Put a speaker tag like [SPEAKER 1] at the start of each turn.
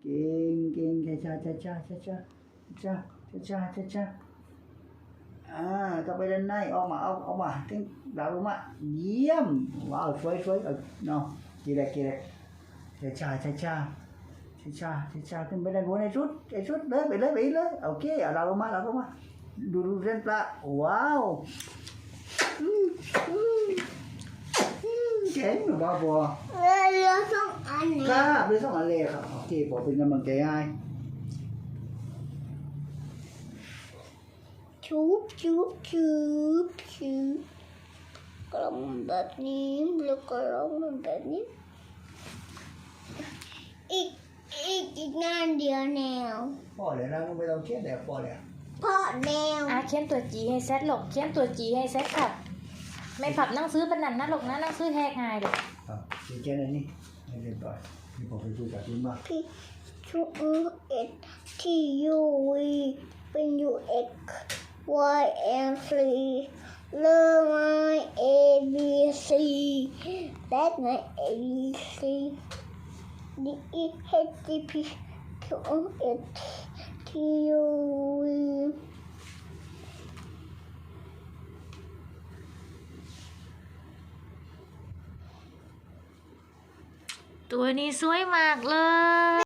[SPEAKER 1] เก่งเก่งช้าช้าช้าช้าช้าช้าช้าช้าช้าช้าต่อไปด้านในออกมาออกมาถึงดาวลงมาเยี่ยมว้าวสวยสวยเนาะกี่แรกช้าช้าช้าช้าช้าขึ้นไปด้านบนไอ้ชุดเลยไปเลยโอเคเอาดาวลงมาดูเส้นปลาว้าวเจ๋งหรือเปล่าบัว
[SPEAKER 2] เรือสองอันนี้
[SPEAKER 1] ครับเรือสองอันเลยครับโอเคผมเป็นกำลังใจให้
[SPEAKER 2] ชุบกลมแบบนี้แล้วก็ลงแบบนี้อีกงานเดียวแนว
[SPEAKER 1] พอเลยนะไม่ต้องเขียนแล้วพอแล้ว
[SPEAKER 2] เพราะแนว
[SPEAKER 3] เขียนตัวจีให้เซตหลกเขียนตัวจีให้เซตครับไม่ผับนั่งซื้อเป็นนันนะหลกนะนั่งซื้อแหกหายเลย
[SPEAKER 1] เขียนอะไรนี่ให้เรียบร้อยนี่ผมไปดูจากคุณมา
[SPEAKER 2] พี่ชูเอ็ดที่ยูวีเป็นยูเอ็กY and C learn my A B C that's my A B C D E H G P Q R S T U V
[SPEAKER 3] ตัวนี้สวยมากเลย